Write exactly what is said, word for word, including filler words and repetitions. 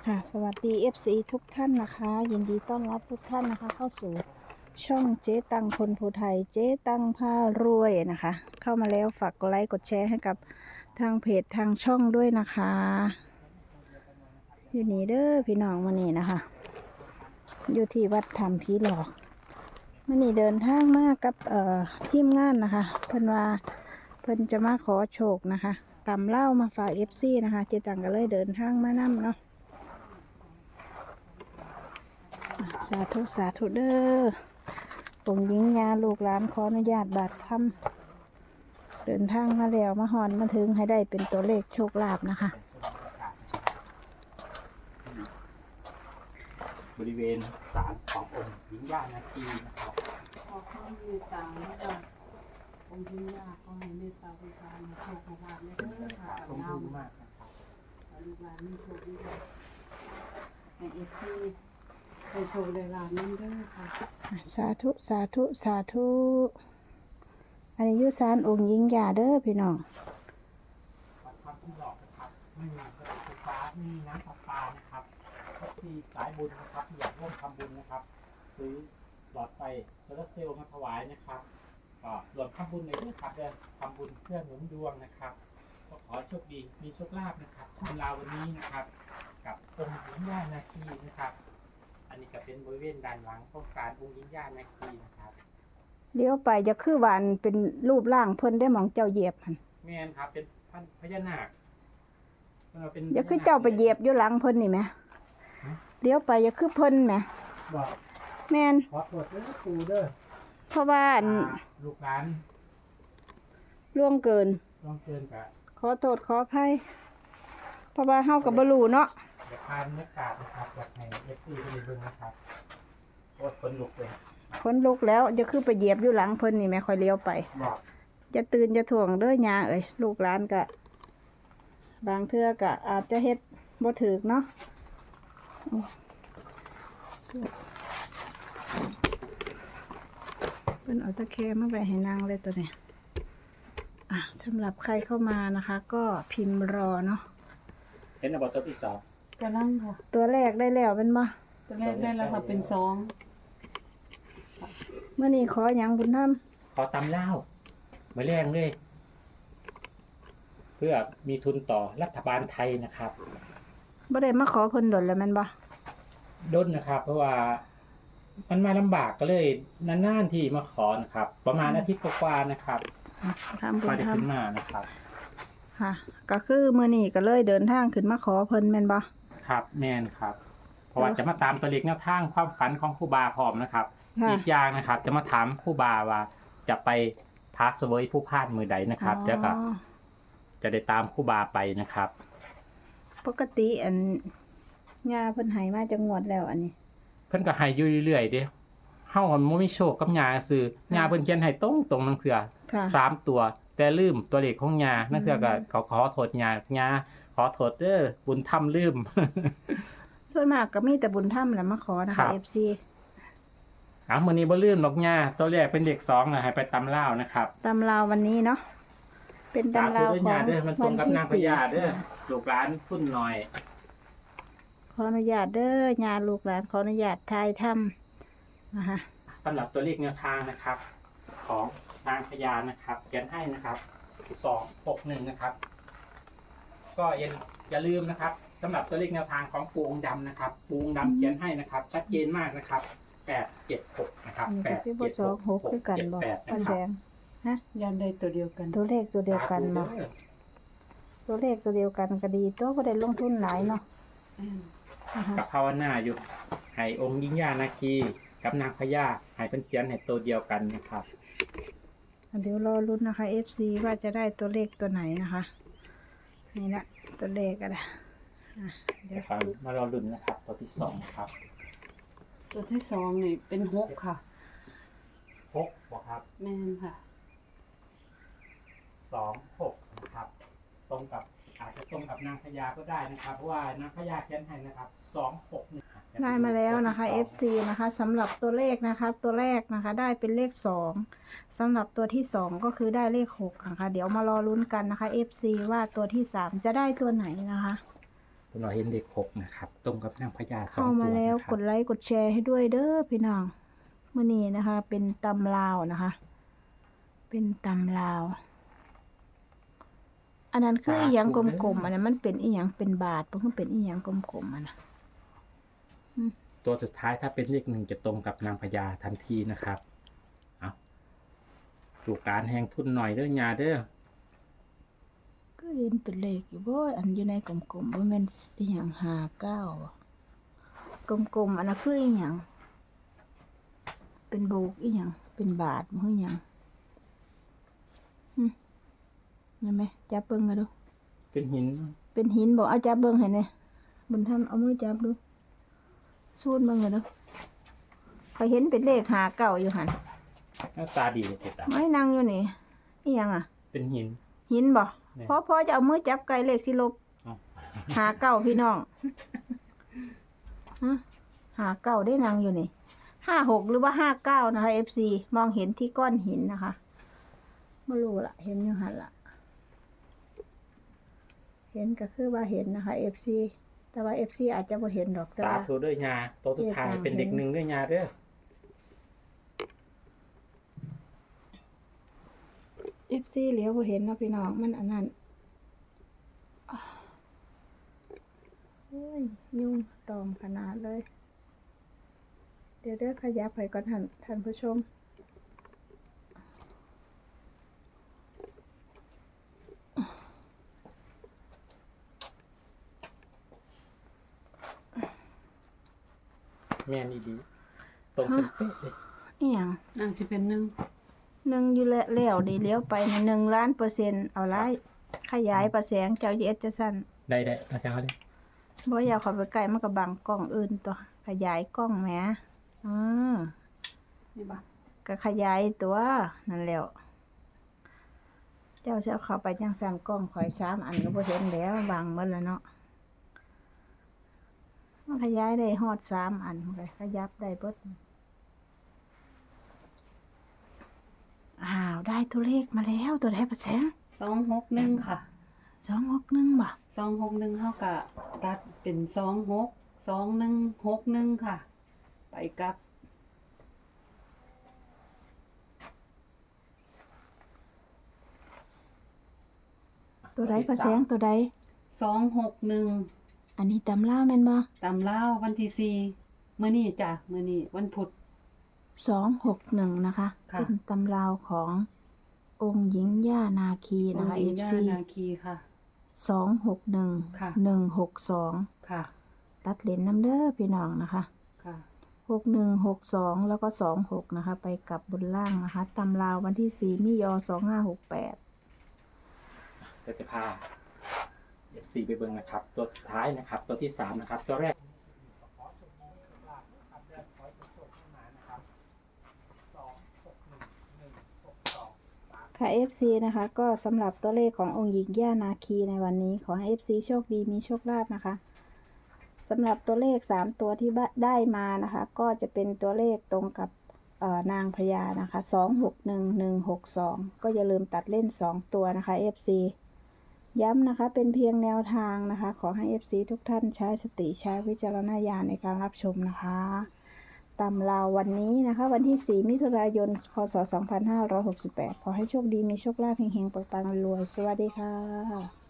ค่ะสวัสดี เอฟ ซี ทุกท่านนะคะยินดีต้อนรับทุกท่านนะคะเข้าสู่ช่องเจ๊ตังคนภูไทยเจ๊ตังพารวยนะคะเข้ามาแล้วฝากกดไลค์กดแชร์ให้กับทางเพจทางช่องด้วยนะคะอยู่นี่เด้อพี่น้องมานี่นะคะอยู่ที่วัดธรรมผีหลอกมานี่เดินทางมากับเอ่อทีมงานนะคะเพิ่นว่าเพิ่นจะมาขอโชคนะคะตำเหล้ามาฝาก เอฟ ซี นะคะเจ๊ตังก็เลยเดินทางมานํเนาะสาธุสาธุเด้อองค์หญิงยาลูกหลานขออนุญาตบาดคำเดินทางมาแล้วมาหอนมาถึงให้ได้เป็นตัวเลขโชคลาภนะคะบริเวณศาลขององค์หญิงย่านาคีนะครับขอความเมตตาและก็องค์ที่ยากก็ให้เมตตาบูชาในโชคในลาภในเด้อค่ะขอบกับคุณเรามากนะครับลูกหลานมีโชคดีในเอฟซีให้โชคได้ลาภนั่นเด้อค่ะสาธุสาธุสาธุอันนี้อยุสานองค์หญิงยาเด้อพี่น้องวัดถ้ำที่หลอกนะครับไม่มีกระแสไฟฟ้าไม่มีน้ำประปานะครับก็มีสายบุญนะครับที่อยากร่วมทำบุญนะครับซื้อหลอดไฟโซลาร์เซลล์มาถวายนะครับก็รวมทำบุญในเรื่องครับเดินทำบุญเพื่อหนุนดวงนะครับก็ขอโชคดีมีโชคลาภนะครับชมลาวันนี้นะครับกับองค์หญิงย่านาคีนะครับอันนี้ก็เป็นบริเวณด้านหลังของศาลองค์หญิงย่านาคีนะครับเลี้ยวไปจะคือหวานเป็นรูปร่างเพิ่นได้หมองเจ้าเหยียบหันแม่นครับเป็นพันพญานาคเออเป็นจะคือเจ้าไปเหยียบอยู่หลังเพิ่นนี่ไหมเลี้ยวไปจะคือเพิ่นไหมบอกแม่นขอตรวจด้วยครูเด้อเพราะว่าอันอ่าลูกหลานล่วงเกินลองเกินกับขอโทษขออภัยเพราะว่าเฮากับบรูเนาะเด็กพานเนื้อกาดนะครับจากในเอฟซีไปเบิ่งนะครับโอ้คนลุกเลยคนลุกแล้วจะคือไปเหยียบอยู่หลังเพิ่นนี่แม่ค่อยเลี้ยวไปบอกจะตื่นจะถ่วงเด้อยาเอ้ยลูกหลานกะบางเทื่อกะอาจจะเฮ็ดบ่ถูกเนาะเพิ่นเอาตะแคงมาไว้ให้นางเลยตัวนี้อ่ะสำหรับใครเข้ามานะคะ ก็พิมพ์รอเนาะเห็นอันดับตัวที่สองกำลังค่ะตัวแรกได้แล้วเป็นบ่ตัวแรกได้แล้วค่ะเป็นสองเมื่อนี้ขอหยังบุญธรรมขอตำเล่ามาแรงเลย เพื่อมีทุนต่อรัฐบาลไทยนะครับบ่ได้มาขอเพิ่นดนแล้วแม่นบ่ด้นนะครับ เพราะว่ามันมาลำบากก็เลยนานๆที่มาขอนะครับ ประมาณอาทิตย์กว่าๆนะครับอ่ะทำบุก็ญได้ธรรมขึ้นมานะครับค่ะ ก็คือมื้อนี้ก็เลยเดินทางขึ้นมาขอเพิ่นแม่นบ่ครับแม่นครับ เพราะว่าจะมาตามตัวเลขแนวทางความฝันของครูบาพร้อมนะครับค่ะอีกอย่างนะครับ จะมาถามครูบาว่าจะไปท้าเสวยผู้พลาดมือใดนะครับแล้วก็อ๋อจะได้ตามครูบาไปนะครับปกติอันยาเพิ่นให้มาจังงวดแล้วอันนี้เพิ่นก็ให้อยู่เรื่อยๆเด้เฮามันบ่มีโชคกับยาซื่อยาเพิ่นเขียนให้ตรงตรงๆนั่นคือค่ะสามตัว แต่ลืมตัวเลขของยานั่นคือก็ขอขอโทษยายาขอโทษเด้อบุญธรรมลืมส่วนมากก็มีแต่บุญธรรมแหละมาขอนะครัคะบเอฟ ซีอ่ะมื้อนี้บ่ลืมดอกยาตัวแรกเป็นเด็กสองนะให้ไปตำลาวนะครับตำราววันนี้เนาะเป็นสาตำธุราวด้วยขอยาง เด้อมันตรวังนกับที่นางพสี่ญาเด้อลูกหลานพุ่นหน่อยขออนุญาตเด้อยาลูกหลานขออนุญาตทายทำนะคะสำหรับตัวเลขแนวทางนะครับ ของนางพญานะครับเขียนให้นะครับสองหกหนึ่งนะครับ ก็อย่าอย่าลืมนะครับสำหรับตัวเลขแนวทางของปูองค์ดำนะครับปูองค์ดำเขียนให้นะครับ ชัดเจนมากนะครับแปดเจ็ดหกนะครับอันนี้แปก็ดซื้อเจ็ดสหองกหกคือกันเจ็ดบอกแปดป้านะคแสรับงฮะยันได้ตัวเดียวกันตัวเลขตัวเดียวกันบอกสาธุเด้อตัวเลขตัวเดียวกันก็ดีตัวก็ได้ลงทุนหลายเนาะอืมนะคะกับภาวนาอยู่ให้องค์ยิ่งย่านาคีกับนางพญาให้เป็นเขียนให้ตัวเดียวกันนะครับเดี๋ยวรอรุ้นนะคะ เอฟ ซี ว่าจะได้ตัวเลขตัวไหนนะคะนี่ละตัวเลขอะไรอ่ะเดี๋ยวฟังมารอลุ้นนะครับ ตัวที่สองครับตัวที่สองนี่เป็นหกค่ะหกครับแม่นค่ะสองหกนะครับ ตรงกับอาจจะตรงกับนางพญาก็ได้นะครับ เพราะว่านางพญาเขียนให้นะครับสองหกหนึ่งได้มาแล้วนะคะ เอฟ ซี นะคะสำหรับตัวเลขนะคะ ตัวแรกนะคะ ได้เป็นเลขสองสำหรับตัวที่สองก็คือได้เลขหกนะคะเดี๋ยวมารอลุ้นกันนะคะ เอฟ ซี ว่าตัวที่สามจะได้ตัวไหนนะคะเราเห็นเลขหกนะครับ ตรงกับนางพญาสองเข้าตัมาว แล้วนะคกรับดไลค์กดแชร์ให้ด้วยเด้อพี่น้องมื้อนี้นะคะ เป็นตำลาวนะคะ เป็นตำลาว อันนั้นคืออีหยังกลมๆอันนั้นมันเป็นอีหยังเป็นบาทบ่คือเป็นอีหยังกลมๆอันน่ะตัวสุดท้ายถ้าเป็นเลขหนึ่งจะตรงกับนางพญาทันทีนะครับเอาดูการแหงทุนหน่อยเด้อยาเด้อก็เห็นเป็นเลขอยู่บ่อันอยู่ในกลมๆบ่แม่นอีหยังห้าเก้าบ่กลมๆอันนั้นคืออีหยังเป็นโบกอีหยังเป็นบาทบ่คือหยังหึเห็นไหมจับเบิ่งกันดูเป็นหินเป็นหินบ่เอาจับเบิ่งให้แหน่บุญธรรมเอามือจับดูสูดเบิ่งกันดูข้อยเห็นเป็นเลขห้าเก้าอยู่หั่นหน้าตาดีเลยเจ็ดอ่ะไม่นั่งอยู่นี่อีหยังอ่ะเป็นหินหินบ่แม่นพอพอจะเอามือจับไกลเลขสิลบเอ้าหาเก้าพี่น้องฮะหาเก้าได้นางอยู่นี่ห้าหกหรือว่าห้าเก้านะคะเอฟซีมองเห็นที่ก้อนหินนะคะไม่รู้ละเห็นอยังหันละเห็นก็คือว่าเห็นนะคะเอฟซีแต่ว่าเอฟซีอาจจะไม่เห็นดอกแต่สาว่าธุเด้อยาตัวสุดท้ายเป็นเด็กหนึ่งเด้อยาเด้อเอฟซีเหลียวบ่เห็นเนาะพี่น้องมันอันนั้นอ้าวเฮ้ยยุ่งตอมขนาดเลย เดี๋ยวเด้อขยับไปก่อนท่านท่านผู้ชมแม่นดีตรงเป็นเป๊ะเลยอีหยังนางสิเป็นหนึ่งหนึ่งอยู่แล้วแล้วดีเลี้ยวไปในหนึ่งล้านเปอร์เซ็นต์เอาไล่ขยายประแสงเจ้าเอสจะสั้นได้ได้มาจังเขาเลยบ่อยากเข้าไปใกล้มันก็บังกล้องอื่นตัวขยายกล้องแหมอือนี่บ่ก็ขยายตัวนั่นแหล้วเจ้าจะเอาเข้าไปจังสั่นกล้องข่อยสามอันก็บ่เห็นแล้วบังหมดแล้วเนาะมันขยายได้ฮอดสามอันเลยขยับได้เบิดอ้าวได้ตัวเลขมาแล้วตัวไหนประแสงสองหกหนึ่งค่ะสองหกหนึ่งบ่สองหกหนึ่งเท่ากับตัดเป็นสองหกสองหนึ่งหกหนึ่งค่ะ ไปกลับตัวใดประแสงตัวใดสองหกหนึ่งอันนี้ตำล่าวแม่นบ่ตำล่าววันที่สี่มื้อนี้จ้ะมื้อนี้วันพุธสองหกหนึ่งนะคะค่ะเป็นตำราวขององค์หญิงย่านาคีนะคะโรงเอเรียนฟย่าซีนาคีค่ะสองหกหนึ่งค่ะหนึ่งหกสองค่ะตัดเลนน้ำเด้อพี่น้องนะคะค่ะหกหนึ่งหกสองแล้วก็สองหกนะคะ ไปกลับบนล่างนะคะตำราววันที่สี่มิยอสองห้าหกแปดเดี๋ยวจะพาเอฟซีไปเบิ่งนะครับ ตัวสุดท้ายนะครับ ตัวที่สามนะครับ ตัวแรกค่ะ เอฟ ซี นะคะ ก็สำหรับตัวเลขขององค์หญิงย่านาคีในวันนี้ ขอให้ เอฟ ซี โชคดีมีโชคลาภนะคะสำหรับตัวเลขสามตัวที่ได้มานะคะ ก็จะเป็นตัวเลขตรงกับเอ่อนางพญานะคะสองหกหนึ่ง หนึ่งหกสองก็อย่าลืมตัดเล่นสองตัวนะคะ เอฟ ซี ย้ำนะคะเป็นเพียงแนวทางนะคะ ขอให้ เอฟ ซี ทุกท่านใช้สติใช้วิจารณญาณในการรับชมนะคะตำราววันนี้นะคะ วันที่สี่มิถุนายนพศสองพันห้าร้อยหกสิบแปดขอให้โชคดีมีโชคลาภเฮงๆปังๆรวยๆสวัสดีค่ะ